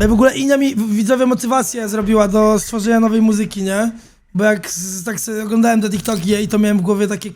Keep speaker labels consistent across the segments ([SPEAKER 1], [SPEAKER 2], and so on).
[SPEAKER 1] No i w ogóle Inia mi widzowie motywację zrobiła do stworzenia nowej muzyki, nie? Bo jak tak sobie oglądałem te TikToki jej, to miałem w głowie takie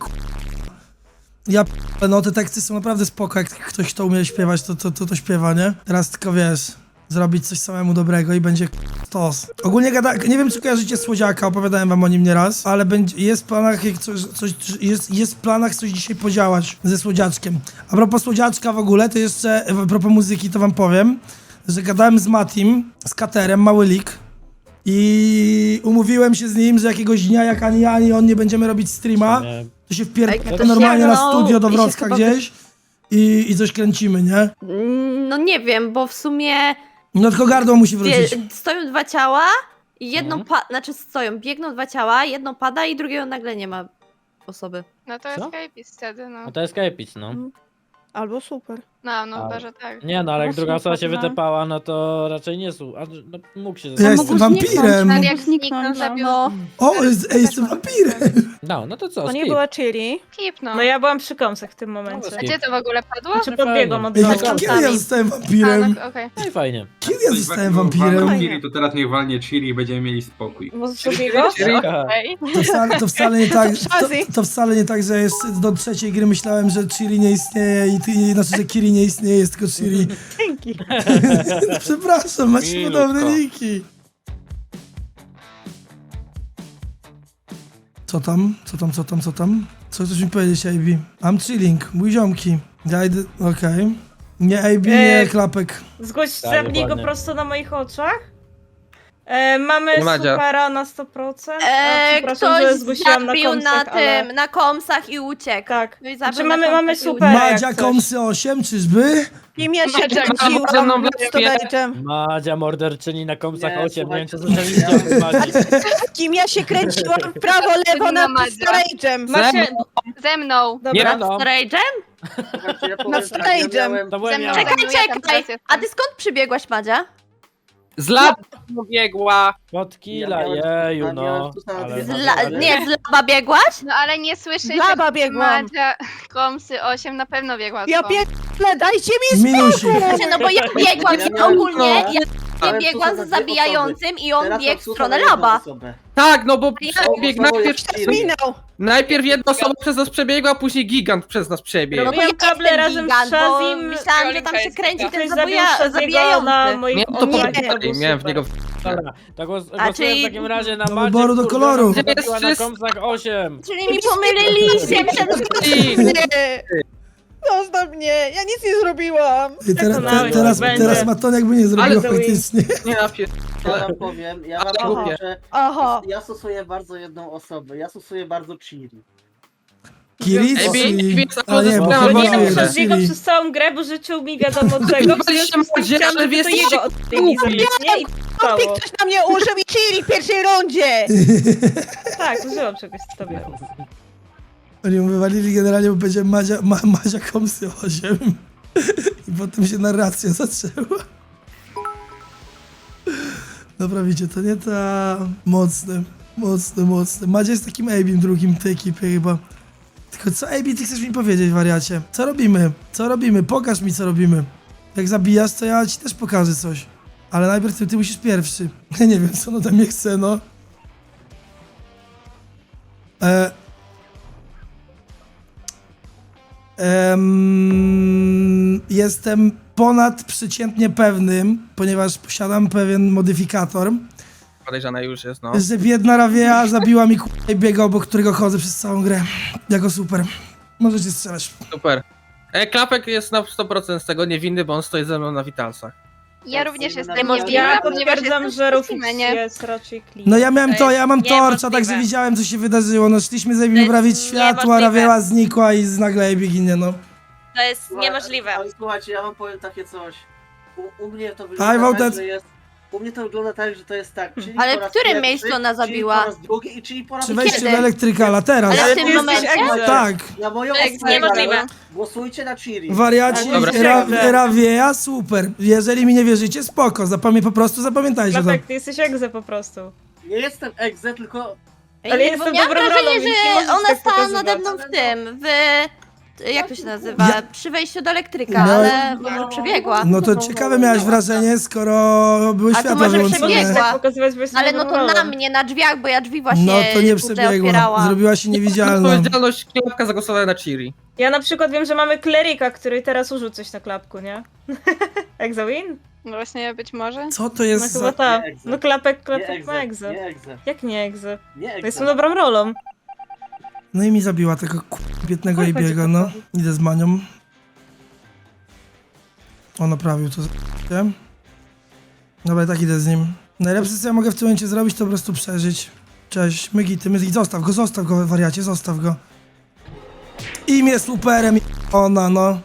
[SPEAKER 1] no te teksty są naprawdę spoko, jak ktoś to umie śpiewać, to śpiewa, nie? Teraz tylko wiesz, zrobić coś samemu dobrego i będzie stos. Ogólnie nie wiem czy kojarzycie Słodziaka, opowiadałem wam o nim nieraz, ale jest w planach jest w planach coś dzisiaj podziałać ze Słodziaczkiem. A propos Słodziaczka w ogóle, to jeszcze, a propos muzyki, to wam powiem, że gadałem z Matim, z Katerem, Mały Lik. I umówiłem się z nim, że jakiegoś dnia, jak ani ja, ani on nie będziemy robić streama, to się wpierdolę normalnie na studio do Wrocka gdzieś i coś kręcimy, nie?
[SPEAKER 2] No nie wiem, bo w sumie
[SPEAKER 1] No tylko gardło musi wrócić.
[SPEAKER 2] stoją dwa ciała i jedno biegną dwa ciała, jedno pada i drugiego nagle nie ma osoby.
[SPEAKER 3] No to
[SPEAKER 4] Co?
[SPEAKER 3] escapist wtedy, no.
[SPEAKER 4] No to jest Kejpic, no.
[SPEAKER 5] Albo super.
[SPEAKER 3] No chyba, że tak.
[SPEAKER 4] Nie no, ale jak
[SPEAKER 5] No
[SPEAKER 4] druga osoba się
[SPEAKER 5] super, no.
[SPEAKER 4] wytepała, no to raczej nie słu. No, mógł się
[SPEAKER 1] Ja
[SPEAKER 4] zastanowić.
[SPEAKER 1] jestem wampirem.
[SPEAKER 3] Ale jak
[SPEAKER 5] Zniknąć,
[SPEAKER 3] zniknął, zabił...
[SPEAKER 2] No,
[SPEAKER 1] O, jestem wampirem.
[SPEAKER 4] No to co,
[SPEAKER 5] To nie
[SPEAKER 4] skip.
[SPEAKER 5] była chili.
[SPEAKER 3] Skip, no.
[SPEAKER 5] No ja byłam przy kąsach w tym momencie.
[SPEAKER 4] No,
[SPEAKER 3] A gdzie to w ogóle padło?
[SPEAKER 5] Czy podbiegłam od
[SPEAKER 1] Ej,
[SPEAKER 5] razu?
[SPEAKER 1] jak kiedy ja zostałem
[SPEAKER 3] A,
[SPEAKER 1] wampirem?
[SPEAKER 3] no okej.
[SPEAKER 4] No i fajnie.
[SPEAKER 1] Kiedy ja zostałem wampirem?
[SPEAKER 6] Chiri, to teraz niech walnie Chiri i będziemy mieli spokój.
[SPEAKER 5] Bo z drugiego?
[SPEAKER 3] Okej.
[SPEAKER 1] To wcale nie tak,
[SPEAKER 5] Shazzy.
[SPEAKER 1] to wcale nie tak, że jeszcze do trzeciej gry myślałem, że Chiri nie istnieje znaczy, że Kiri nie istnieje, jest tylko Chiri.
[SPEAKER 5] Dzięki.
[SPEAKER 1] Przepraszam, macie
[SPEAKER 6] Milutko.
[SPEAKER 1] podobne niki. Co tam? Co chcesz mi powiedzieć, AB? I'm chilling, mój ziomki. Ja idę, okej. Nie AB, nie klapek.
[SPEAKER 5] Zgłoś,
[SPEAKER 4] Tak,
[SPEAKER 5] zabnij go
[SPEAKER 4] dokładnie.
[SPEAKER 5] prosto na moich oczach. Mamy
[SPEAKER 7] Madzia.
[SPEAKER 5] supera na 100%. Przepraszam, że
[SPEAKER 2] ktoś
[SPEAKER 5] zgłosiłam na
[SPEAKER 2] zabił
[SPEAKER 5] komsach,
[SPEAKER 2] na
[SPEAKER 5] ale...
[SPEAKER 2] tym, na komsach i uciekł.
[SPEAKER 5] Tak.
[SPEAKER 2] No i
[SPEAKER 5] Znaczy
[SPEAKER 2] zabił na
[SPEAKER 5] mamy
[SPEAKER 2] komsach i
[SPEAKER 5] super.
[SPEAKER 2] uciekł.
[SPEAKER 1] Madzia
[SPEAKER 5] jak coś.
[SPEAKER 1] Komsy 8, czyżby?
[SPEAKER 8] Kim ja się
[SPEAKER 3] Madzia,
[SPEAKER 8] kręciłam
[SPEAKER 7] mną w
[SPEAKER 8] z storage'em?
[SPEAKER 4] Madzia morderczyni na komsach
[SPEAKER 8] Nie,
[SPEAKER 4] 8, nie wiem czy
[SPEAKER 8] słuchajcie.
[SPEAKER 4] słyszeliście o Madzi.
[SPEAKER 8] Kim ja się kręciłam w prawo, lewo
[SPEAKER 3] To
[SPEAKER 8] nad
[SPEAKER 3] nie Madzia.
[SPEAKER 8] storage'em?
[SPEAKER 5] Macie...
[SPEAKER 3] Ze mną.
[SPEAKER 4] Nie
[SPEAKER 5] Dobra.
[SPEAKER 4] no,
[SPEAKER 2] Rage'em?
[SPEAKER 8] Nad storage'em.
[SPEAKER 4] to byłem
[SPEAKER 3] Ze
[SPEAKER 4] ja.
[SPEAKER 3] mną.
[SPEAKER 2] Czekaj,
[SPEAKER 3] ja tam
[SPEAKER 2] czekaj.
[SPEAKER 3] teraz jestem.
[SPEAKER 2] A ty skąd przybiegłaś, Madzia?
[SPEAKER 7] Z lat biegła.
[SPEAKER 4] Pod killa,
[SPEAKER 8] Ja miałem-
[SPEAKER 4] jeju
[SPEAKER 8] ja
[SPEAKER 4] no.
[SPEAKER 8] miałem tu samo
[SPEAKER 4] Ale,
[SPEAKER 8] dwie-
[SPEAKER 2] Nie, z laba biegłaś?
[SPEAKER 3] No ale nie słyszę,
[SPEAKER 8] Laba biegłam.
[SPEAKER 3] Madzia Komsy 8 na pewno biegła.
[SPEAKER 8] Ja
[SPEAKER 3] tą.
[SPEAKER 8] pierdolę, dajcie mi
[SPEAKER 1] Minusik.
[SPEAKER 2] Znaczy, no bo ja biegłam
[SPEAKER 8] Ja
[SPEAKER 2] i
[SPEAKER 8] miałem-
[SPEAKER 2] ogólnie,
[SPEAKER 8] no.
[SPEAKER 2] ja
[SPEAKER 8] Ale
[SPEAKER 2] biegłam
[SPEAKER 8] tu są
[SPEAKER 2] z
[SPEAKER 8] dwie
[SPEAKER 2] zabijającym i on
[SPEAKER 8] Teraz
[SPEAKER 2] biegł w
[SPEAKER 8] obsługa
[SPEAKER 2] stronę
[SPEAKER 8] na jedną
[SPEAKER 2] laba.
[SPEAKER 8] osobę.
[SPEAKER 7] Tak, no bo
[SPEAKER 2] Ja-
[SPEAKER 7] przebiegł najpierw,
[SPEAKER 8] Minął.
[SPEAKER 7] najpierw jedna osoba przez nas przebiegła, a później gigant przez nas przebiegł.
[SPEAKER 2] No to
[SPEAKER 5] Miałam
[SPEAKER 2] ja
[SPEAKER 5] kable
[SPEAKER 2] jestem
[SPEAKER 5] razem z
[SPEAKER 2] gigant, bo
[SPEAKER 5] Shazim.
[SPEAKER 2] myślałam, że tam się kręci ten
[SPEAKER 5] Ktoś zabił Shaziego na
[SPEAKER 2] zabijający.
[SPEAKER 5] moich
[SPEAKER 7] Nie, to
[SPEAKER 5] oczach.
[SPEAKER 7] powiedzieli, miałem w niego...
[SPEAKER 4] Dobra, to głosuję
[SPEAKER 2] czyli-
[SPEAKER 4] w takim razie na
[SPEAKER 1] Do
[SPEAKER 4] Madzie,
[SPEAKER 1] wyboru, do
[SPEAKER 4] kurwa,
[SPEAKER 1] koloru.
[SPEAKER 4] która
[SPEAKER 7] Jest
[SPEAKER 4] zabiła na
[SPEAKER 7] wszyscy-
[SPEAKER 4] komsach 8.
[SPEAKER 2] Czyli mi pomyliliście przed...
[SPEAKER 8] Nie. Zostaw mnie, ja nic nie zrobiłam.
[SPEAKER 1] I
[SPEAKER 5] Przekonałeś,
[SPEAKER 1] teraz
[SPEAKER 5] że będzie.
[SPEAKER 1] Maton jakby nie zrobiła
[SPEAKER 7] Ale-
[SPEAKER 1] faktycznie.
[SPEAKER 7] Nie, ja pier...
[SPEAKER 9] Ja wam powiem, ja
[SPEAKER 7] Ale
[SPEAKER 9] wam powiem,
[SPEAKER 7] głupie.
[SPEAKER 9] że
[SPEAKER 8] Aha.
[SPEAKER 9] ja stosuję bardzo jedną osobę, ja stosuję bardzo Chiri.
[SPEAKER 1] Kiri
[SPEAKER 7] Ej,
[SPEAKER 1] czy...
[SPEAKER 7] jest
[SPEAKER 1] A nie, bo
[SPEAKER 7] sprawa,
[SPEAKER 5] Bo nie
[SPEAKER 1] Kiri
[SPEAKER 5] wiem,
[SPEAKER 1] jest,
[SPEAKER 5] przez niego
[SPEAKER 1] Kiri.
[SPEAKER 5] przez całą grę, bo życzył mi wiadomo czego. W związku z tym
[SPEAKER 7] Madzie,
[SPEAKER 5] chciałam,
[SPEAKER 7] ale
[SPEAKER 5] żeby
[SPEAKER 7] wy
[SPEAKER 5] to
[SPEAKER 7] jesteście
[SPEAKER 5] jego odcięli nie? I stało.
[SPEAKER 8] Ktoś na mnie użył i Chiri w pierwszej rundzie.
[SPEAKER 5] Tak, użyłam czegoś z tobie.
[SPEAKER 1] Oni mu wywalili generalnie, bo będzie Madzia Komsy 8. I potem się narracja zaczęła. Dobra, widzicie, to nie ta... Mocne. Madzia jest takim Abim drugim w tej ekipie chyba. Tylko co, Abi, ty chcesz mi powiedzieć, wariacie? Co robimy? Pokaż mi, co robimy. Jak zabijasz, to ja ci też pokażę coś. Ale najpierw ty musisz pierwszy. Ja nie wiem, co on ode mnie chce, no. Jestem ponadprzeciętnie pewnym, ponieważ posiadam pewien modyfikator,
[SPEAKER 7] Podejrzana już jest, no.
[SPEAKER 1] że biedna Ravia zabiła mi k***a i biega, obok którego chodzę przez całą grę. Jako super. Możecie strzelać.
[SPEAKER 7] Super. Klapek jest na 100% z tego niewinny, bo on stoi ze mną na Witalsach.
[SPEAKER 3] Ja również jestem
[SPEAKER 2] Niemożliwe,
[SPEAKER 5] Ja
[SPEAKER 3] niewinna, ponieważ
[SPEAKER 5] potwierdzam,
[SPEAKER 3] jestem
[SPEAKER 5] że
[SPEAKER 3] w
[SPEAKER 5] Rufus
[SPEAKER 3] specimenie.
[SPEAKER 5] jest raczej clean.
[SPEAKER 1] No ja miałem
[SPEAKER 2] To
[SPEAKER 1] ja mam
[SPEAKER 2] jest
[SPEAKER 1] torcza,
[SPEAKER 2] niemożliwe.
[SPEAKER 1] także widziałem, co się wydarzyło. No szliśmy z Abim
[SPEAKER 2] To
[SPEAKER 1] naprawić
[SPEAKER 2] jest
[SPEAKER 1] światło, a
[SPEAKER 2] niemożliwe.
[SPEAKER 1] Ravia znikła i nagle Abi ginie, no.
[SPEAKER 2] To jest niemożliwe.
[SPEAKER 9] Ale słuchajcie, ja wam powiem takie coś. U mnie to
[SPEAKER 1] I
[SPEAKER 9] wygląda
[SPEAKER 1] voted.
[SPEAKER 9] tak, że jest... U mnie to wygląda tak, że to jest tak, czyli
[SPEAKER 2] Ale
[SPEAKER 9] po raz
[SPEAKER 2] w którym
[SPEAKER 9] pierwszy,
[SPEAKER 2] miejscu ona
[SPEAKER 9] czyli
[SPEAKER 2] zabiła?
[SPEAKER 9] po raz drugi i czyli po raz
[SPEAKER 1] Przy wejściu
[SPEAKER 2] Kiedy?
[SPEAKER 1] do elektrykala, teraz.
[SPEAKER 2] Ale w
[SPEAKER 5] ty
[SPEAKER 2] tym
[SPEAKER 5] jesteś
[SPEAKER 2] momencie?
[SPEAKER 5] egzem.
[SPEAKER 1] Tak.
[SPEAKER 9] Na moją
[SPEAKER 2] To jest
[SPEAKER 9] osobę
[SPEAKER 2] niemożliwe.
[SPEAKER 9] głosujcie na Chiri.
[SPEAKER 1] Wariaci,
[SPEAKER 5] Dobra.
[SPEAKER 1] Ravia, super. Jeżeli mi nie wierzycie, spoko. Po prostu zapamiętajcie to.
[SPEAKER 5] Klapek, ty jesteś egze po prostu.
[SPEAKER 9] Nie jestem egze, tylko...
[SPEAKER 5] Ale
[SPEAKER 2] Bo
[SPEAKER 5] jestem
[SPEAKER 2] miałam
[SPEAKER 5] dobrą
[SPEAKER 2] wrażenie,
[SPEAKER 5] rolą, więc nie
[SPEAKER 2] że
[SPEAKER 5] możesz
[SPEAKER 2] ona
[SPEAKER 5] tak
[SPEAKER 2] stała
[SPEAKER 5] pokazywać.
[SPEAKER 2] nade mną w tym, jak to się nazywa,
[SPEAKER 1] Ja-
[SPEAKER 2] przy wejściu do elektryka,
[SPEAKER 1] No-
[SPEAKER 2] ale może przebiegła.
[SPEAKER 1] No to ciekawe miałaś wrażenie, skoro były
[SPEAKER 2] A to
[SPEAKER 1] światła
[SPEAKER 2] może
[SPEAKER 1] wyłączone.
[SPEAKER 2] przebiegła.
[SPEAKER 5] Tak pokazywać, bo jestem
[SPEAKER 2] Ale no to na
[SPEAKER 5] zadowolona.
[SPEAKER 2] mnie, na drzwiach, bo ja drzwi właśnie
[SPEAKER 1] No to nie
[SPEAKER 2] kurde,
[SPEAKER 1] przebiegła.
[SPEAKER 2] otwierałam.
[SPEAKER 1] Zrobiła się niewidzialną.
[SPEAKER 7] Odpowiedzialność klapka zagłosowała na Chiri.
[SPEAKER 5] Ja na przykład wiem, że mamy kleryka, który teraz użył coś na klapku, nie? Exawin?
[SPEAKER 3] No właśnie, być może.
[SPEAKER 1] Co to
[SPEAKER 5] No
[SPEAKER 1] jest
[SPEAKER 5] chyba
[SPEAKER 1] za...
[SPEAKER 5] ta.
[SPEAKER 9] Nie egze.
[SPEAKER 5] No klapek
[SPEAKER 9] Nie
[SPEAKER 5] ma
[SPEAKER 9] egze,
[SPEAKER 5] egzę.
[SPEAKER 9] nie egze,
[SPEAKER 5] Jak nie egzę?
[SPEAKER 9] nie
[SPEAKER 5] No
[SPEAKER 9] egze.
[SPEAKER 5] jestem dobrą rolą.
[SPEAKER 1] No i mi zabiła tego biednego
[SPEAKER 5] Oj,
[SPEAKER 1] Ibiego,
[SPEAKER 5] będzie
[SPEAKER 1] no.
[SPEAKER 5] poprawił.
[SPEAKER 1] Idę z Manią. On naprawił to. Nie? Dobra, i tak idę z nim. Najlepsze, co ja mogę w tym momencie zrobić, to po prostu przeżyć. Cześć, Mygi, zostaw go, wariacie, zostaw go. Imię superem, ona, no.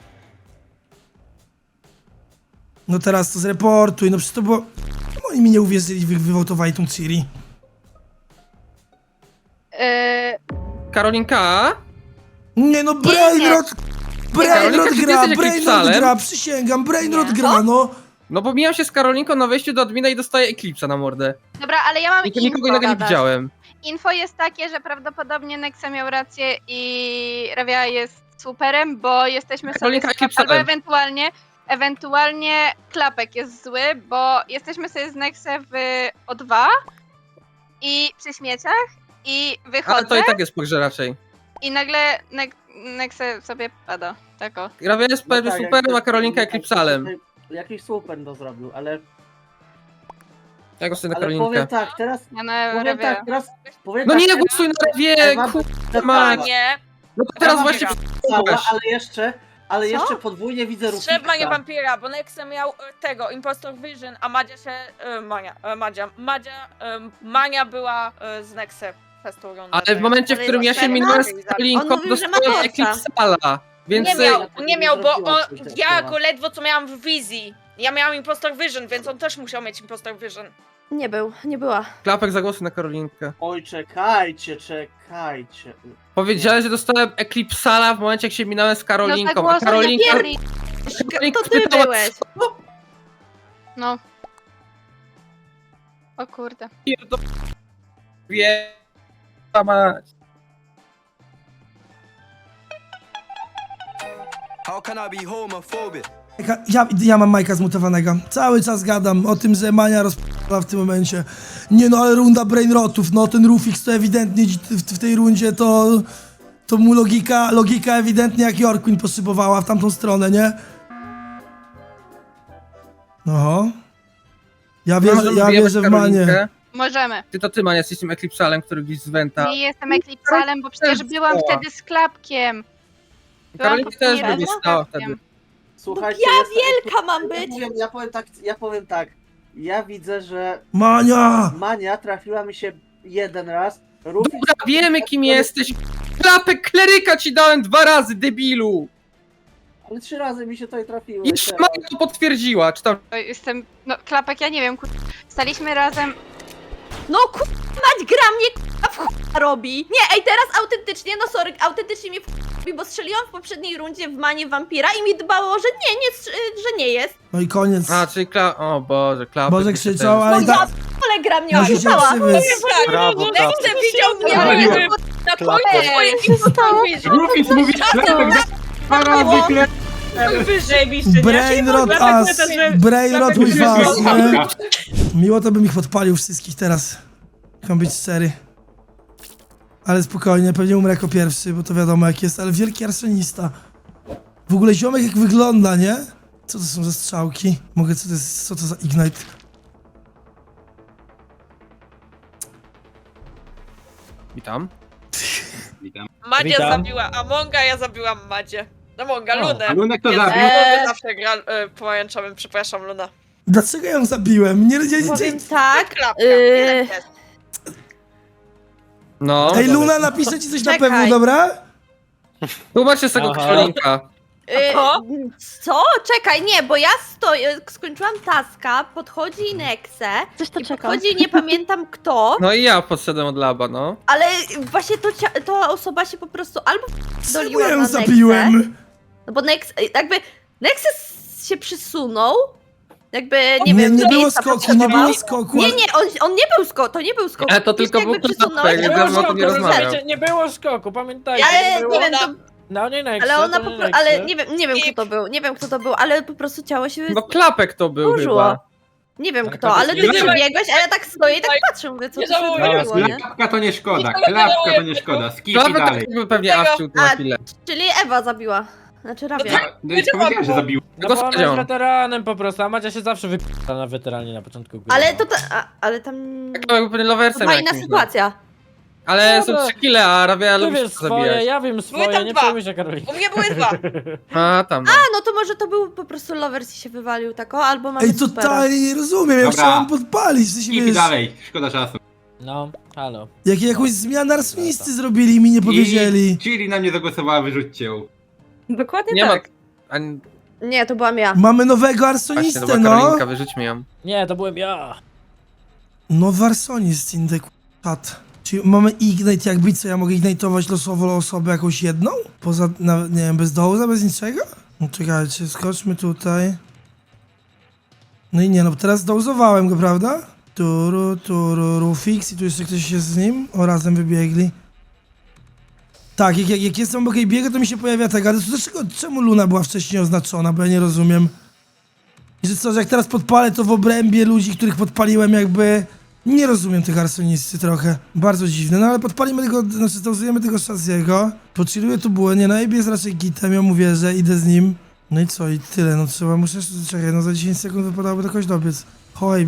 [SPEAKER 1] No teraz to zreportuj, no przecież to było... Oni mi nie uwierzyli, wywołtowali tą Ciri.
[SPEAKER 7] Karolinka?
[SPEAKER 1] Nie no, Brainrod
[SPEAKER 7] Karolina, czy ty jesteś jakimś
[SPEAKER 1] Brainrod
[SPEAKER 7] psalem?
[SPEAKER 1] gra, przysięgam, Brainrod
[SPEAKER 2] Nie.
[SPEAKER 1] gra, no.
[SPEAKER 7] No bo mijam się z Karolinką na wejściu do admina i dostaję Eclipse'a na mordę.
[SPEAKER 3] Dobra, ale ja mam
[SPEAKER 7] Nikogo
[SPEAKER 3] info.
[SPEAKER 7] innego nie
[SPEAKER 2] gadasz.
[SPEAKER 7] widziałem.
[SPEAKER 3] Info jest takie, że prawdopodobnie Nexa miał rację i Revia jest superem, bo jesteśmy sobie
[SPEAKER 7] Karolinka
[SPEAKER 3] z
[SPEAKER 7] Eclipse
[SPEAKER 3] albo
[SPEAKER 7] Alem.
[SPEAKER 3] ewentualnie Klapek jest zły, bo jesteśmy sobie z Nexem w O2 i przy śmieciach i
[SPEAKER 7] Ale
[SPEAKER 3] wychodzę
[SPEAKER 7] to i tak jest pogrze raczej.
[SPEAKER 3] i nagle Nexe sobie pada. Tak o.
[SPEAKER 7] Rawia jest
[SPEAKER 9] No tak,
[SPEAKER 7] superem, a
[SPEAKER 9] jak-
[SPEAKER 7] Karolinka
[SPEAKER 9] jak-
[SPEAKER 7] Eclipsalem.
[SPEAKER 9] Jakiś super to zrobił, ale
[SPEAKER 7] Ja głosuję na
[SPEAKER 9] powiem
[SPEAKER 7] Karolinkę.
[SPEAKER 9] tak, teraz
[SPEAKER 3] Ja na
[SPEAKER 9] powiem
[SPEAKER 3] Revia.
[SPEAKER 9] tak, teraz powiem
[SPEAKER 7] No
[SPEAKER 9] tak,
[SPEAKER 7] nie,
[SPEAKER 9] teraz-
[SPEAKER 7] głosuj na Rawię,
[SPEAKER 9] Ewa
[SPEAKER 7] kurwa
[SPEAKER 9] Mania.
[SPEAKER 7] mać.
[SPEAKER 8] Nie,
[SPEAKER 7] No to teraz
[SPEAKER 9] Ewa
[SPEAKER 7] właśnie
[SPEAKER 9] cała,
[SPEAKER 7] przeczytałeś.
[SPEAKER 9] ale
[SPEAKER 2] Co?
[SPEAKER 9] jeszcze podwójnie widzę
[SPEAKER 8] strzelba nie
[SPEAKER 9] Rufiksa.
[SPEAKER 8] wampira, bo Nexe miał tego, Impostor Vision, a Madzia się, Mania była z Nexe przez tą rundę.
[SPEAKER 7] Ale w momencie, w którym ja się
[SPEAKER 2] Ale
[SPEAKER 7] minąłem
[SPEAKER 2] on
[SPEAKER 7] z Karolinką,
[SPEAKER 2] mówił, że ma
[SPEAKER 7] dostałem
[SPEAKER 2] torca.
[SPEAKER 7] Eclipsala. Więc
[SPEAKER 8] Nie miał, bo
[SPEAKER 9] Zrobiła coś
[SPEAKER 8] ja
[SPEAKER 9] takiego.
[SPEAKER 8] go ledwo co miałam w wizji. Ja miałam Impostor Vision, więc on też musiał mieć Impostor Vision.
[SPEAKER 2] Nie była.
[SPEAKER 7] Klapek zagłosuj na Karolinkę.
[SPEAKER 9] Oj, czekajcie.
[SPEAKER 7] Powiedziałeś, że dostałem Eclipsala w momencie, jak się minąłem z
[SPEAKER 3] No
[SPEAKER 7] Karolinką, a
[SPEAKER 3] zagłosuj na
[SPEAKER 7] Karolinka...
[SPEAKER 3] Pierri.
[SPEAKER 7] Karolinka
[SPEAKER 2] To ty
[SPEAKER 7] spytała,
[SPEAKER 2] byłeś.
[SPEAKER 3] No. O kurde.
[SPEAKER 7] Wie... mać.
[SPEAKER 10] How can I be homophobic?
[SPEAKER 1] Ja mam Majka zmutowanego. Cały czas gadam o tym, że Mania rozp***la w tym momencie. Nie no, ale runda Brainrotów, no ten Rufix to ewidentnie w tej rundzie to mu logika ewidentnie jak Yorkwin poszybowała w tamtą stronę, nie? Oho. Ja wierzę w Manię.
[SPEAKER 3] Możemy.
[SPEAKER 7] Ty, Mania, jesteś tym Eclipsalem, który gdzieś z Wenta.
[SPEAKER 3] Nie jestem Eclipsalem, bo przecież byłam
[SPEAKER 7] Stała.
[SPEAKER 3] wtedy z Klapkiem.
[SPEAKER 7] Karolinka też
[SPEAKER 3] poprzednio
[SPEAKER 7] będzie
[SPEAKER 3] z
[SPEAKER 7] stała
[SPEAKER 3] Klapkiem.
[SPEAKER 7] wtedy.
[SPEAKER 9] Słuchajcie,
[SPEAKER 2] Ja
[SPEAKER 9] jest-
[SPEAKER 2] wielka mam być.
[SPEAKER 9] ja powiem tak. Ja widzę, że
[SPEAKER 1] Mania!
[SPEAKER 9] Mania trafiła mi się jeden raz. Rufix
[SPEAKER 7] Dobra, wiemy kim jesteś. Klapek kleryka ci dałem 2 razy, debilu.
[SPEAKER 9] Ale 3 razy mi się tutaj trafiło.
[SPEAKER 7] Jeszcze
[SPEAKER 9] teraz.
[SPEAKER 7] Maja to potwierdziła, czy tam...
[SPEAKER 3] Oj, jestem. No, Klapek, ja nie wiem, staliśmy razem.
[SPEAKER 2] No mać gra mnie w chuja robi. Nie, ej, teraz autentycznie, no sorry, autentycznie mnie w chuja robi, bo strzeliłam w poprzedniej rundzie w Manię wampira i mi dbało, że że nie jest.
[SPEAKER 1] No i koniec.
[SPEAKER 7] A, czyli O Boże, Klapek...
[SPEAKER 1] Boże
[SPEAKER 7] jeszcze
[SPEAKER 1] krzyczał,
[SPEAKER 7] ten-
[SPEAKER 1] ale
[SPEAKER 2] No
[SPEAKER 1] i
[SPEAKER 2] ja
[SPEAKER 1] tak
[SPEAKER 2] ale gra mnie
[SPEAKER 1] musicie
[SPEAKER 2] oszukała.
[SPEAKER 1] przywieźć.
[SPEAKER 10] Brawo,
[SPEAKER 8] Nexe widział mnie
[SPEAKER 6] Zapaliłem.
[SPEAKER 8] na końcu swoim Impostor Vision.
[SPEAKER 6] Rufix mówi, Klapek dwa razy Klapek.
[SPEAKER 5] Zajebiście, nie?
[SPEAKER 1] Brainrot
[SPEAKER 5] Klapek
[SPEAKER 1] us!
[SPEAKER 5] pyta, że-
[SPEAKER 1] Brainrot
[SPEAKER 5] Klapek
[SPEAKER 1] with
[SPEAKER 5] pyta,
[SPEAKER 1] us,
[SPEAKER 5] że-
[SPEAKER 1] nie? Miło to bym ich podpalił wszystkich teraz. Mam być szczery. Ale spokojnie, pewnie umrę jako pierwszy, bo to wiadomo jak jest, ale wielki arsonista. W ogóle ziomek jak wygląda, nie? Co to są za strzałki? Co to za Ignite?
[SPEAKER 7] Witam.
[SPEAKER 6] Witam.
[SPEAKER 8] Madzia
[SPEAKER 4] Witam.
[SPEAKER 8] zabiła Amonga, ja zabiłam Madzie. Amonga,
[SPEAKER 7] O,
[SPEAKER 8] Lunę.
[SPEAKER 6] A Lunek to
[SPEAKER 8] Jezu,
[SPEAKER 6] zabił.
[SPEAKER 8] Lunę zawsze gra pomarańczowym, przepraszam, Luna.
[SPEAKER 1] Dlaczego ją zabiłem? Nie,
[SPEAKER 2] Powiem tak,
[SPEAKER 8] Klapka,
[SPEAKER 2] yy,
[SPEAKER 8] tyle jest.
[SPEAKER 7] No.
[SPEAKER 1] Ej, Luna, napiszę ci coś na
[SPEAKER 2] Czekaj.
[SPEAKER 1] pewno, dobra?
[SPEAKER 7] Tłumaczcie z tego
[SPEAKER 4] Aha.
[SPEAKER 7] Karolinka.
[SPEAKER 8] Co?
[SPEAKER 2] Co? Czekaj, nie, bo ja skończyłam taska, podchodzi Nexe, podchodzi nie pamiętam kto,
[SPEAKER 7] No i ja podszedłem od laba, no.
[SPEAKER 2] ale właśnie to osoba się po prostu albo
[SPEAKER 1] Czemu
[SPEAKER 2] doliła
[SPEAKER 1] ja
[SPEAKER 2] na
[SPEAKER 1] ją
[SPEAKER 2] Nexę,
[SPEAKER 1] zabiłem?
[SPEAKER 2] no bo Nexe się przysunął, jakby,
[SPEAKER 1] Nie,
[SPEAKER 2] nie wiem,
[SPEAKER 1] nie
[SPEAKER 2] do
[SPEAKER 1] było
[SPEAKER 2] miejsca
[SPEAKER 1] skoku, nie
[SPEAKER 2] potrzebował.
[SPEAKER 1] było skoku.
[SPEAKER 2] Nie, on nie był skok, to nie był skok.
[SPEAKER 7] Ale to tylko
[SPEAKER 2] Jakby
[SPEAKER 7] był
[SPEAKER 2] przysunąłeś,
[SPEAKER 7] klapek,
[SPEAKER 2] to
[SPEAKER 7] jak
[SPEAKER 2] było
[SPEAKER 7] dawno o tym
[SPEAKER 2] skok,
[SPEAKER 7] nie rozmawiał.
[SPEAKER 4] Słuchajcie, nie było skoku, pamiętajcie.
[SPEAKER 2] Ale
[SPEAKER 4] nie było...
[SPEAKER 2] nie wiem, to
[SPEAKER 4] No nie Nexe,
[SPEAKER 2] Ale ona
[SPEAKER 4] to
[SPEAKER 2] po
[SPEAKER 4] nie
[SPEAKER 2] prostu,
[SPEAKER 4] Nexe.
[SPEAKER 2] ale nie wiem kto to był, ale po prostu ciało się
[SPEAKER 7] No klapek to był
[SPEAKER 2] zburzyło.
[SPEAKER 7] chyba.
[SPEAKER 2] Nie wiem
[SPEAKER 4] Ale
[SPEAKER 2] kto,
[SPEAKER 4] to
[SPEAKER 2] ale
[SPEAKER 4] jest-
[SPEAKER 2] ty przebiegłeś, a ja tak stoję i tak patrzę, mówię, co
[SPEAKER 8] Nie
[SPEAKER 2] tu się
[SPEAKER 8] żałuję.
[SPEAKER 2] odwaliło, nie?
[SPEAKER 6] Klapka to nie szkoda, klapka to nie szkoda. Skip i
[SPEAKER 7] Klapek
[SPEAKER 6] dalej.
[SPEAKER 7] to był pewnie Awciu na
[SPEAKER 2] A,
[SPEAKER 7] chwilę.
[SPEAKER 2] czyli Ewa zabiła. Znaczy Rabia.
[SPEAKER 6] No już powiedziałem, że zabił.
[SPEAKER 4] No bo ona
[SPEAKER 7] Powiedział.
[SPEAKER 4] jest weteranem po prostu, a Macia się zawsze wypita na weteranie na początku gry.
[SPEAKER 2] Ale
[SPEAKER 4] no.
[SPEAKER 2] to ale tam...
[SPEAKER 7] Klapek pewnie
[SPEAKER 2] To
[SPEAKER 7] loversem
[SPEAKER 2] była inna
[SPEAKER 7] jakimś, no.
[SPEAKER 2] sytuacja.
[SPEAKER 7] Ale
[SPEAKER 4] Dobra.
[SPEAKER 7] są 3 kile, a Rabia
[SPEAKER 4] Ty
[SPEAKER 7] lubi się
[SPEAKER 4] wiesz swoje,
[SPEAKER 7] zabijać.
[SPEAKER 4] ja wiem swoje,
[SPEAKER 8] tam
[SPEAKER 4] nie
[SPEAKER 8] dwa.
[SPEAKER 4] przejmuj się Karolina.
[SPEAKER 8] U mnie były 2.
[SPEAKER 7] A tam no.
[SPEAKER 2] A, no to może to był po prostu lovers i się wywalił tako, albo mamy
[SPEAKER 1] Ej,
[SPEAKER 2] supera.
[SPEAKER 1] totalnie nie rozumiem, ja
[SPEAKER 6] Dobra.
[SPEAKER 1] chciałem podpalić, w sensie,
[SPEAKER 6] Skip i
[SPEAKER 1] wiesz,
[SPEAKER 6] dalej, szkoda czasu.
[SPEAKER 4] No, halo.
[SPEAKER 1] jakąś zmianę arsonisty zrobili i mi nie powiedzieli.
[SPEAKER 6] I Chiri na mnie zagłosowała, wyrzućcie ją.
[SPEAKER 5] Dokładnie
[SPEAKER 7] Nie ma...
[SPEAKER 5] tak.
[SPEAKER 7] Ani...
[SPEAKER 2] Nie, to byłam ja.
[SPEAKER 1] Mamy nowego
[SPEAKER 7] Właśnie,
[SPEAKER 1] arsonistę,
[SPEAKER 7] to była
[SPEAKER 1] no.
[SPEAKER 7] Karolinka, wyrzućmy ją.
[SPEAKER 4] Nie, to byłem ja.
[SPEAKER 1] Nowy arsonist, indek, czat. Czyli mamy ignite jakby, co ja mogę ignitować losowo osobę jakąś jedną? Poza, nawet, nie wiem, bez dołza, bez niczego? No czekajcie, skoczmy tutaj. No i nie, no teraz dołzowałem go, prawda? Rufix i tu jeszcze ktoś jest z nim. O, razem wybiegli. Tak, jak jestem obok jej biegu, to mi się pojawia tego, ale to dlaczego, czemu Luna była wcześniej oznaczona, bo ja nie rozumiem. I że co, że jak teraz podpalę, to w obrębie ludzi, których podpaliłem jakby... Nie rozumiem tych arsonisty trochę. Bardzo dziwne, no ale podpalimy tego, znaczy dozujemy tego Shaziego. Pochilluję tu było, nie, no AB jest raczej gitem, ja mówię, że idę z nim. No i co, i tyle, no trzeba, muszę, czekaj, no za 10 sekund wypadałoby do kogoś dobiec. Ho, AB.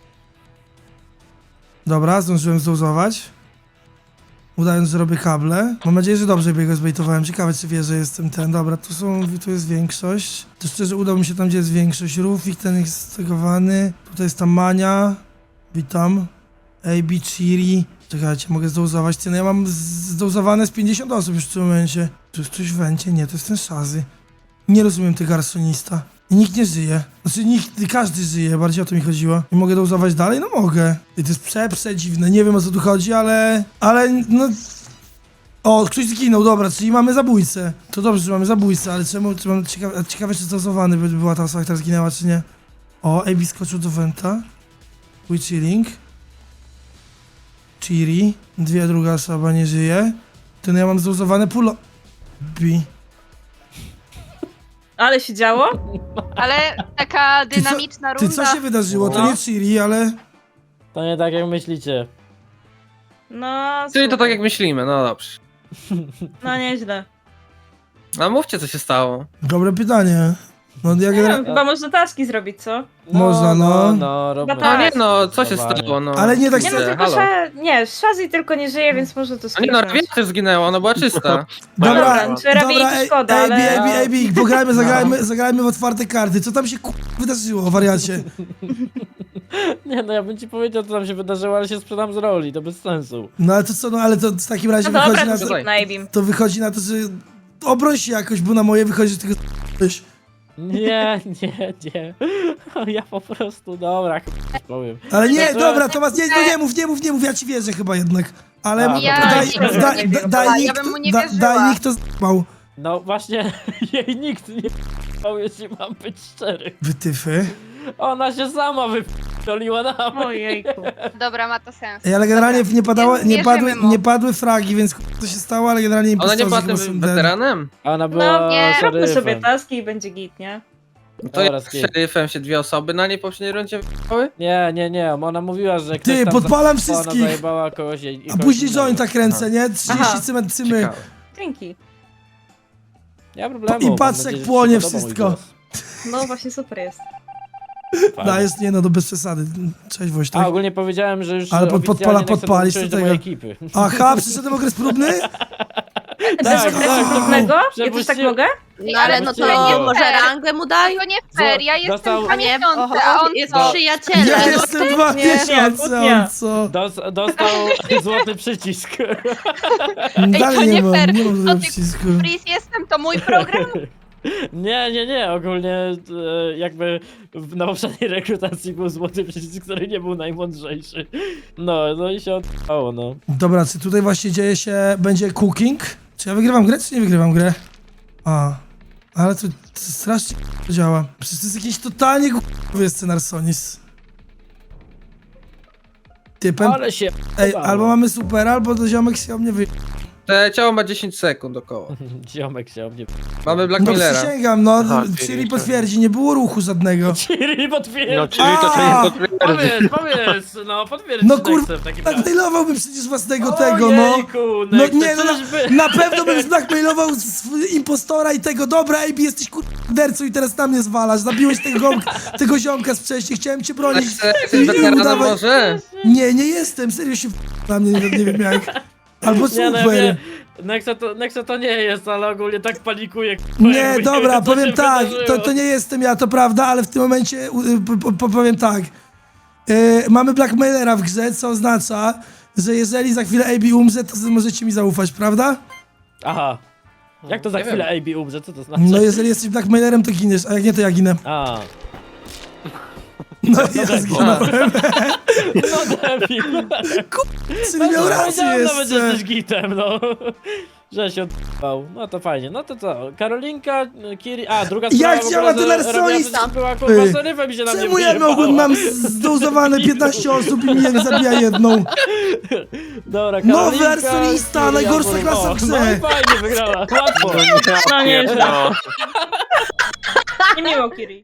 [SPEAKER 1] Dobra, zdążyłem zdozować. Udając, że robię kable. Mam nadzieję, że dobrze biego zbejtowałem. Ciekawe, czy wie, że jestem ten. Dobra, tu jest większość. To szczerze udało mi się tam, gdzie jest większość. Rufik, ten jest stegowany. Tutaj jest ta Mania. Witam. AB, Chiri. Czekajcie, mogę zdozować. Ty, no ja mam zdozowane z 50 osób już w tym momencie. Tu jest ktoś w wencie? Nie, to jest ten Shazy. Nie rozumiem tego arsonista. I nikt nie żyje. Znaczy każdy żyje, bardziej o to mi chodziło. I mogę dołzować dalej? No mogę. I to jest przedziwne, nie wiem o co tu chodzi, ale no... O, ktoś zginął, dobra, czyli mamy zabójcę. To dobrze, że mamy zabójcę, ale czemu, ciekawe czy zdozowany by była ta osoba, która zginęła, czy nie. O, AB skoczył do Venta. We chilling. Chiri. Druga osoba nie żyje. Ten ja mam zdozowane pulo... B.
[SPEAKER 5] Ale się działo?
[SPEAKER 3] Ale taka dynamiczna
[SPEAKER 1] Ty,
[SPEAKER 3] runda.
[SPEAKER 1] co się wydarzyło? To
[SPEAKER 4] No.
[SPEAKER 1] nie Chiri, ale...
[SPEAKER 4] To nie tak jak myślicie.
[SPEAKER 5] No,
[SPEAKER 7] Czyli to
[SPEAKER 5] super.
[SPEAKER 7] tak jak myślimy, no dobrze.
[SPEAKER 5] No nieźle.
[SPEAKER 7] A mówcie, co się stało.
[SPEAKER 1] Dobre pytanie. No ja
[SPEAKER 5] Nie wiem,
[SPEAKER 1] generalnie...
[SPEAKER 5] chyba można taski zrobić, co?
[SPEAKER 1] Można, no.
[SPEAKER 4] No, robimy.
[SPEAKER 5] Chyba
[SPEAKER 7] No nie
[SPEAKER 5] tak.
[SPEAKER 7] no, co się
[SPEAKER 4] Zdecydowanie.
[SPEAKER 7] stało, no.
[SPEAKER 1] Ale nie tak
[SPEAKER 5] Nie no,
[SPEAKER 7] Kurde,
[SPEAKER 5] tylko
[SPEAKER 7] halo.
[SPEAKER 5] nie, Shazi tylko nie żyje, więc może to
[SPEAKER 7] A nie no,
[SPEAKER 5] skipnąć.
[SPEAKER 7] Rabia też zginęła, ona była czysta.
[SPEAKER 5] Dobra, czy Rabi
[SPEAKER 1] ej,
[SPEAKER 5] szkoda, ale...
[SPEAKER 1] AB, zagrajmy w otwarte karty. Co tam się wydarzyło, wariacie?
[SPEAKER 4] Nie no, ja bym ci powiedział, co tam się wydarzyło, ale się sprzedam z roli, to bez sensu.
[SPEAKER 1] No ale to co, no ale to w takim razie
[SPEAKER 5] No
[SPEAKER 1] wychodzi
[SPEAKER 5] dobra,
[SPEAKER 1] na
[SPEAKER 5] to
[SPEAKER 1] to,
[SPEAKER 5] skip na Abim.
[SPEAKER 1] to wychodzi na to, że obroń się jakoś, bo na moje wychodzi, że tylko coś.
[SPEAKER 4] Nie. Ja po prostu, dobra, powiem.
[SPEAKER 1] Ale nie,
[SPEAKER 4] To-
[SPEAKER 1] dobra, Tomasz, nie mów, ja ci wierzę chyba jednak. Ale
[SPEAKER 4] A,
[SPEAKER 3] Ja
[SPEAKER 1] daj,
[SPEAKER 3] nigdy
[SPEAKER 1] daj,
[SPEAKER 3] nie wiem.
[SPEAKER 1] daj,
[SPEAKER 3] Ja
[SPEAKER 1] nikt,
[SPEAKER 3] bym mu nie
[SPEAKER 1] daj
[SPEAKER 3] wierzyła.
[SPEAKER 1] nikt to z***ał.
[SPEAKER 4] No właśnie, jej nikt nie p***ał, jeśli mam być szczery.
[SPEAKER 1] Wytyfy.
[SPEAKER 4] Ona się sama wyp***oliła na mnie.
[SPEAKER 5] Ojejku.
[SPEAKER 3] Dobra, ma to sens.
[SPEAKER 1] Ej, ale generalnie
[SPEAKER 3] Dobra.
[SPEAKER 1] nie padało,
[SPEAKER 3] Wierzymy mu.
[SPEAKER 1] nie padły fragi, więc co się stało, ale generalnie
[SPEAKER 7] Ona nie
[SPEAKER 1] impostorzy
[SPEAKER 7] była
[SPEAKER 1] chyba
[SPEAKER 7] tym
[SPEAKER 1] są ten.
[SPEAKER 7] weteranem?
[SPEAKER 4] Ona była
[SPEAKER 5] No nie, róbmy sobie
[SPEAKER 4] szeryfem.
[SPEAKER 5] taski i będzie git, nie?
[SPEAKER 7] To
[SPEAKER 4] Dobra,
[SPEAKER 7] jak z
[SPEAKER 4] skip.
[SPEAKER 7] szeryfem się 2 osoby na niej poprzedniej rundzie wyjechały?
[SPEAKER 4] Nie, ona mówiła, że ktoś
[SPEAKER 1] Ty,
[SPEAKER 4] tam
[SPEAKER 1] podpalam
[SPEAKER 4] ona
[SPEAKER 1] wszystkich!
[SPEAKER 4] zajebała kogoś i
[SPEAKER 1] A
[SPEAKER 4] kogoś
[SPEAKER 1] później
[SPEAKER 4] innego.
[SPEAKER 1] jointa kręcę, nie? 30
[SPEAKER 5] Aha.
[SPEAKER 1] cymy.
[SPEAKER 7] Ciekawe.
[SPEAKER 5] Dzięki.
[SPEAKER 4] Nie ma problemu.
[SPEAKER 1] I
[SPEAKER 4] mam
[SPEAKER 1] patrz,
[SPEAKER 4] nadzieję,
[SPEAKER 1] jak
[SPEAKER 4] że
[SPEAKER 1] płonie
[SPEAKER 4] się podoba mój
[SPEAKER 1] wszystko.
[SPEAKER 4] głos.
[SPEAKER 5] No właśnie super jest.
[SPEAKER 4] Fajnie.
[SPEAKER 1] Dajesz, nie no, to bez przesady. Cześć
[SPEAKER 4] A
[SPEAKER 1] Wojtek.
[SPEAKER 4] ogólnie powiedziałem, że już
[SPEAKER 1] Ale
[SPEAKER 4] oficjalnie
[SPEAKER 1] podpalisz
[SPEAKER 4] Nexus
[SPEAKER 1] do
[SPEAKER 4] dołączyłeś
[SPEAKER 1] tego.
[SPEAKER 4] mojej ekipy.
[SPEAKER 1] Aha, przyszedłem okres próbny?
[SPEAKER 5] Bez
[SPEAKER 4] tak,
[SPEAKER 5] okresu
[SPEAKER 4] tak.
[SPEAKER 5] próbnego? Ja też tak
[SPEAKER 4] Przepuściłem-
[SPEAKER 5] mogę?
[SPEAKER 2] No ale no
[SPEAKER 4] Puściłem
[SPEAKER 2] to
[SPEAKER 4] go.
[SPEAKER 2] może rangę mu daj?
[SPEAKER 3] To nie fair, ja jestem
[SPEAKER 4] Dostał-
[SPEAKER 3] 2
[SPEAKER 2] A nie,
[SPEAKER 3] miesiące, a on
[SPEAKER 2] jest
[SPEAKER 3] co?
[SPEAKER 2] przyjacielem.
[SPEAKER 1] Ja jestem 2
[SPEAKER 5] Nie,
[SPEAKER 1] miesiące,
[SPEAKER 5] nie.
[SPEAKER 1] on co?
[SPEAKER 4] Dostał złoty przycisk.
[SPEAKER 1] Dalej
[SPEAKER 3] to
[SPEAKER 1] nie
[SPEAKER 3] nie
[SPEAKER 1] mam,
[SPEAKER 3] fair.
[SPEAKER 1] nie mam
[SPEAKER 3] To
[SPEAKER 1] tego
[SPEAKER 3] ty-
[SPEAKER 1] przycisku.
[SPEAKER 3] Freeze jestem, to mój program.
[SPEAKER 4] Nie, ogólnie jakby na poprzedniej rekrutacji był złoty przycisk, który nie był najmądrzejszy. No i się odpało, no.
[SPEAKER 1] Dobra, czy tutaj właśnie dzieje się, będzie cooking? Czy ja wygrywam grę, czy nie wygrywam grę? A, ale to strasznie działa. Przecież to jest jakiś totalnie głupi scenar Sonis. Ty,
[SPEAKER 4] Ale się
[SPEAKER 1] ej,
[SPEAKER 4] odpało.
[SPEAKER 1] albo mamy super, albo to ziomek się o mnie wy...
[SPEAKER 7] Te ciało ma 10 sekund około.
[SPEAKER 4] Ziomek się o mnie...
[SPEAKER 7] Mamy Black
[SPEAKER 1] No
[SPEAKER 7] Millera.
[SPEAKER 1] przysięgam, no,
[SPEAKER 11] Aha,
[SPEAKER 1] Ciri potwierdzi, nie było ruchu żadnego.
[SPEAKER 4] Ciri potwierdzi!
[SPEAKER 11] No, czyli to
[SPEAKER 1] A!
[SPEAKER 11] nie potwierdzi.
[SPEAKER 4] Powiedz, no potwierdź
[SPEAKER 1] No
[SPEAKER 4] Nexem
[SPEAKER 1] kurwa,
[SPEAKER 4] w takim razie.
[SPEAKER 1] blackmailowałbym przecież własnego tego, no.
[SPEAKER 4] Ojejku,
[SPEAKER 1] No
[SPEAKER 4] Nexe,
[SPEAKER 1] nie, no
[SPEAKER 4] czyżby...
[SPEAKER 1] na pewno bym zblackmailował impostora i tego, dobra, AB, jesteś kurdercą i teraz na mnie zwalasz, zabiłeś tego ziomka z wcześniej, chciałem cię bronić.
[SPEAKER 7] Jesteś weteranem może?
[SPEAKER 1] Nie jestem, serio się na mnie, nie wiem jak. Albo
[SPEAKER 4] Nie, no, ja
[SPEAKER 1] super.
[SPEAKER 4] wiem, Nexe to nie jest, ale ogólnie tak panikuje.
[SPEAKER 1] Nie, dobra,
[SPEAKER 4] to się
[SPEAKER 1] powiem tak,
[SPEAKER 4] wydarzyło.
[SPEAKER 1] to nie jestem ja, to prawda, ale w tym momencie powiem tak. Mamy blackmailera w grze, co oznacza, że jeżeli za chwilę AB umrze, to możecie mi zaufać, prawda?
[SPEAKER 4] Aha. Jak to za
[SPEAKER 7] Nie
[SPEAKER 4] chwilę AB umrze? Co to znaczy?
[SPEAKER 1] No jeżeli jesteś blackmailerem, to giniesz, a jak nie, to ja ginę.
[SPEAKER 4] A.
[SPEAKER 1] No ja zginąłem.
[SPEAKER 4] No debil.
[SPEAKER 1] Czyli miał rację
[SPEAKER 4] Powiedziałem nawet, że
[SPEAKER 1] jeszcze.
[SPEAKER 4] jesteś gitem, no. Że się odpał. No to fajnie. No to co? Karolinka, Kiri... A, druga sprawa...
[SPEAKER 1] Jak
[SPEAKER 4] w ogóle,
[SPEAKER 1] działa ten
[SPEAKER 4] że
[SPEAKER 1] arsonista?
[SPEAKER 4] robiła- Była kurwa serywem i się na mnie
[SPEAKER 1] Czemu ja
[SPEAKER 4] wyjebało.
[SPEAKER 1] mam zdozowane 15 osób i mnie zabija jedną?
[SPEAKER 4] Dobra,
[SPEAKER 1] Nowy
[SPEAKER 4] Karolinka,
[SPEAKER 1] arsonista,
[SPEAKER 4] Kiri,
[SPEAKER 1] najgorsza
[SPEAKER 4] Jabłon.
[SPEAKER 1] klasa
[SPEAKER 4] O,
[SPEAKER 1] w grze.
[SPEAKER 4] No i fajnie wygrała, łatwo.
[SPEAKER 5] No nie,
[SPEAKER 11] No.
[SPEAKER 5] nie miło, Kiri.